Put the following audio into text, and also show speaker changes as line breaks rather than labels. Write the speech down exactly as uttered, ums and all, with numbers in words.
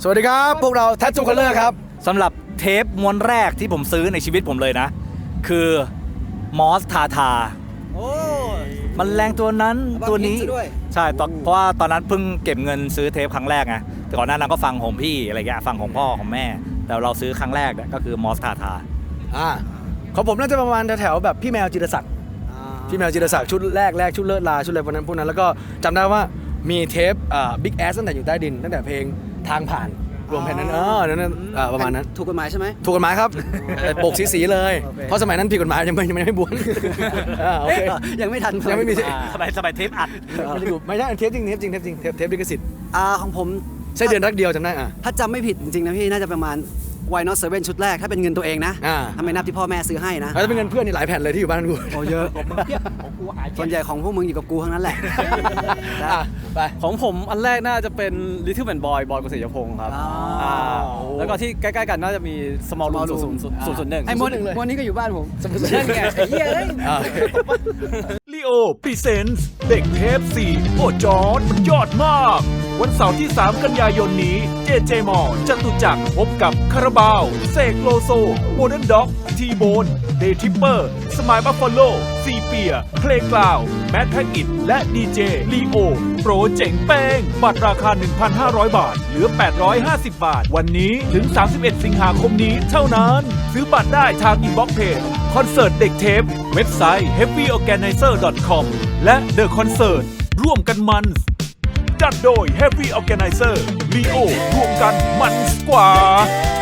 สวัสดีครับพวกเรา Tattoo Color ครับ
สำหรับเทปม้วนแรกที่ผมซื้อในชีวิตผมเลยนะคือมอสทาทาโอ้มันแรงตัวนั้นตัวนี้ใช่เพราะว่าตอนนั้นเพิ่งเก็บเงินซื้อเทปครั้งแรกไงแต่ก่อนหน้านั้นก็ฟังของพี่อะไรเงี้ยฟังของพ่อของแม่แต่เราซื้อครั้งแรกก็คือมอสทาทา
อ่าของผมน่าจะประมาณแถวๆแบบพี่แมวจิรศักดิ์พี่แมวจิรศักดิ์ชุดแรกแรกชุดเลิศลาชุดอะไรพวกนั้นพวกนั้นแล้วก็จำได้ว่ามีเทปอ่าบิ๊กแอสตั้งแต่อยู่ใต้ดินตั้งแต่เพลงทางผ่านรวมแผ่นนั้นเออนั้นประมาณนั้น
ถูกกฎหมายใช่ไหม
ถูกกฎหมายครับโบกสีๆเลยเพราะสมัยนั้นผิดกฎหมายยังไม่ยังไม่บวนโอเค
ยังไม่ทัน
ยังไม่มี
สบายสบายเทปอัด
ไม่ใช่เทปจริงเทปจริงเทปจริงเทปเทปลิขสิทธิ์
อ่าของผม
ใช่เดือนรักเดียวจำได้อ่ะ
ถ้าจำไม่ผิดจริงๆนะพี่น่าจะประมาณ Why Not เซเว่นชุดแรกถ้าเป็นเงินตัวเองนะทำไมนับที่พ่อแม่ซื้อให้นะ
แล้วเป็นเงินเพื่อนนี่หลายแผ่นเลยที่อยู่บ้านกู
โอ้เยอะส่วนใหญ่ของพวกมึงอยู่กับกูทั้งนั้นแหละ
ไป
ของผมอันแรกน่าจะเป็น Little Man Boy บอยกฤษยพงศ์ครับแล้วก็ที่ใกล้ๆกันน่าจะมี Small Room ศูนย์ศูนย์หนึ่ง
ไอ้มดมดนี้ก็อยู่บ้านผม
นั่นไงไอ้เหี้ยเลย
ลีโอพรีเซนส์เด็กเทปสี่โอ้จอร์ดมันยอดมากวันเสาร์ที่สามกันยายนนี้เจเจมอจตุจักรพบกับคาราบาวเสกโลโซโมเดิร์นด็อกทีโบนเดทิปเปอร์สมายบัฟฟาโลซีเปียเพลงกล่าวแมทแพ็กอิทและดีเจลีโอโปรเจ๋งเป้งบัตรราคา หนึ่งพันห้าร้อย บาทเหลือ แปดร้อยห้าสิบ บาทวันนี้ถึง สามสิบเอ็ด สิงหาคมนี้เท่านั้นซื้อบัตรได้ทางอินบ็อกซ์เพจคอนเสิร์ตเด็กเทปเว็บไซต์ เฮฟวี่ออร์แกไนเซอร์ ดอท คอม และ The Concert ร่วมกันมันจัดโดย Heavy Organizer ลีโอรวมกันมันกว่า